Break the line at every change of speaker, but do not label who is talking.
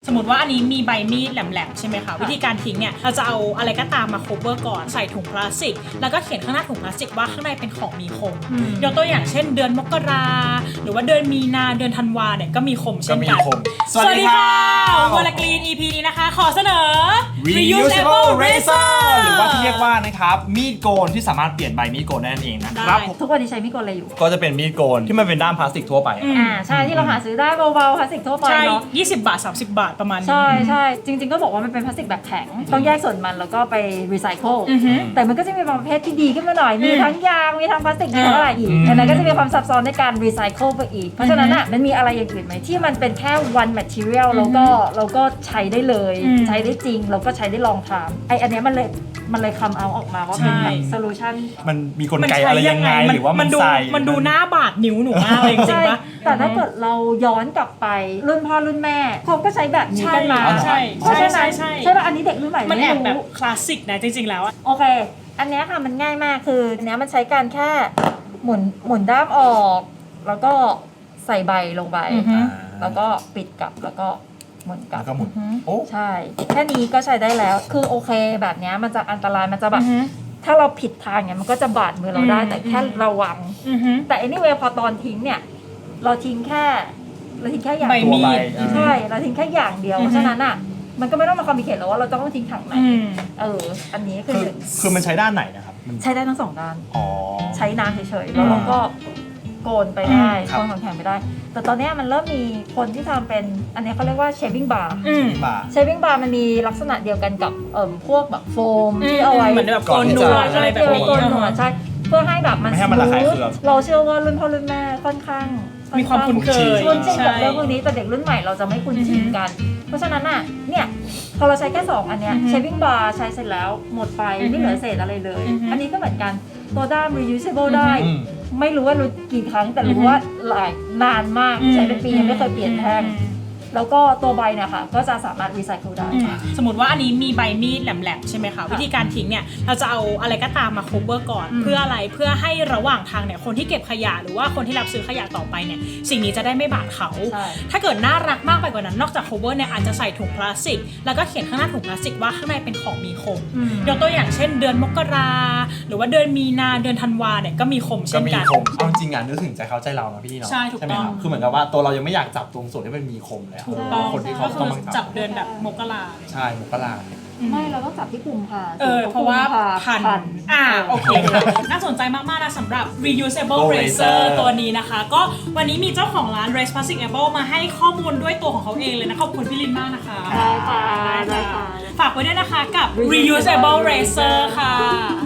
สมมติว่าอันนี้มีใบมีดแหลมๆใช่ไหมคะวิธีการทิ้งเนี่ยเราจะเอาอะไรก็ตามมาโคเวอร์ก่อนใส่ถุงพลาสติกแล้วก็เขียนข้างหน้าถุงพลาสติกว่าข้างในเป็นของมีคมยกตัวอย่างเช่นเดือนมกราหรือว่าเดือนมีนาเดือนธันวาเนี่ยก็มีคมเช่นกันสวัสดีค่ะวอลกรีน EP นี้นะคะขอเสนอ
reusable razor หรือว่าที่เรียกว่านะครับมีดโกนที่สามารถเปลี่ยนใบมีดโกนได้นั่นเองนะครับ
ทุกวันนี้ใช้มีดโกนอะไรอยู่
ก็จะเป็นมีดโกนที่มันเป็นด้ามพลาสติกทั่วไป
ใช่ที่เราหาซื้อได้เบาๆพลาสติกทั่วไปเนาะ
20 บาท 30 บาทประมาณนี้
ใช่จริงๆก็บอกว่ามันเป็นพลาสติกแบบแข็งต้องแยกส่วนมันแล้วก็ไปรีไซเคิลแต่มันก็จะมีประเภทที่ดีขึ้นมาหน่อยมีทั้งยางมีทั้งพลาสติกมีทั้งอะไรอีกอันนั้นก็จะมีความซับซ้อนในการรีไซเคิลไปอีกเพราะฉะนั้นอ่ะมันมีอะไรอย่างอื่นไหมที่มันเป็นแค่ one material แล้วก็ใช้ได้เลยใช้ได้จริงแล้วก็ใช้ได้ลองทำอันนี้มันเลยคำเอาออกมาว่าเป็นแบบโซลูชัน
มันมีกลไกอะไรยังไงหรือว่า
มันดูหน้าบาดนิ้วหนูมากเลยจริงปะ
แต่ถ้าเกิดเราย้อนกลับไปรุ่นพ่อรุ่นแม่เขาก็ใช้แบบนี้กันมา
ใช่
ป่ะอันนี้เด็กรุ่นใหม่
มันแอบแบบคลาสสิกนะจริงๆแล้ว
โอเคอันนี้ค่ะมันง่ายมากคืออันนี้มันใช้การแค่หมุนด้ามออกแล้วก็ใส่ใบลงไปแล้วก็ปิดกลับแล้วก็หมุนกลับใช่แค่นี้ก็ใช้ได้แล้วคือโอเคแบบนี้มันจะอันตรายมันจะแบบถ้าเราผิดทางเนี่ยมันก็จะบาดมือเราได้แต่แค่ระวังแต่ anyway พอตอนทิ้งเนี่ยเราทิ้งแค่อย่าง
ใบมีด
ใช่เราทิ้งแค่อย่างเดียวเพราะฉะนั้นอ่ะมันก็ไม่ต้องมาคอมมิเคทแล้วว่าเราต้องทิ้งถังไหนอันนี้
คือมันใช้ด้านไหนนะครับ
ใช้ได้ทั้งสองด้านใช้น้ำเฉยๆแล้วเราก็โกนไปได้โกนของแข็งไปได้แต่ตอนนี้มันเริ่มมีคนที่ทำเป็นอันนี้เขาเรียกว่า shaving bar shaving bar มันมีลักษณะเดียวกันกับพวกแบบโฟมที่เอาไว้
เหมือนแบบโกนหนวดอะไรแบบนี้
ใช่เพื่อให้แบบมันสมูทเราเชื่อว่ารุ่นพ่อรุ่นแม่ค่อนข้าง
มีความคุ้นเคย
คุ้นชินกับเรื่องพวกนี้แต่เด็กรุ่นใหม่เราจะไม่คุ้นชินกันเพราะฉะนั้นอ่ะเนี่ยพอเราใช้แค่2อันเนี้ย shaving bar ใช้เสร็จแล้วหมดไปไม่เหลือเศษอะไรเลยอันนี้ก็เหมือนกันตัวด้าม reusable ได้ไม่รู้ว่ารู้กี่ครั้งแต่รู้ว่าหลายนานมากใช้เป็นปียังไม่เคยเปลี่ยนแท่งแล้วก็ตัวใบเนี่ยค่ะก็จะสามารถรีไซเคิลได้
สมมติว่าอันนี้มีใบมีดแหลมๆใช่ไหมคะวิธีการทิ้งเนี่ยเราจะเอาอะไรก็ตามมาโคเวอร์ก่อนเพื่ออะไรเพื่อให้ระหว่างทางเนี่ยคนที่เก็บขยะหรือว่าคนที่รับซื้อขยะต่อไปเนี่ยสิ่งนี้จะได้ไม่บาดเขาถ้าเกิดน่ารักมากไปกว่านั้นนอกจากโคเวอร์เนี่ยอาจจะใส่ถุงพลาสติกแล้วก็เขียนข้างหน้าถุงพลาสติกว่าข้างในเป็นของมีคมยกตัวอย่างเช่นเดือนมกราหรือว่าเดือนมีนาเดือนธันวาเนี่ยก็มีคมเช่นกัน
เอาจริงๆนึกถึงใจเขาใจเรานะพี่เนาะ
ใช่ถูกต้อง
คือเหมือนกับว่าตัวเรายังไม่อยากจับตรงส่วนที่มันมีคมเลยคนที่เขาต้อง
จับเดือนแบบมกรา
ใช่มกรา
ไม่เราต้องจับที่กุมภา
เพราะว่าพันโอเคค่ะน่าสนใจมากๆนะสำหรับ reusable razor ตัวนี้นะคะก็วันนี้มีเจ้าของร้าน Race Plasticable มาให้ข้อมูลด้วยตัวของเขาเองเลยนะขอบคุณพี่ลินมากนะคะ
ได้ค่ะ
ฝากไว้ด้วยนะคะกับ reusable razor ค่ะ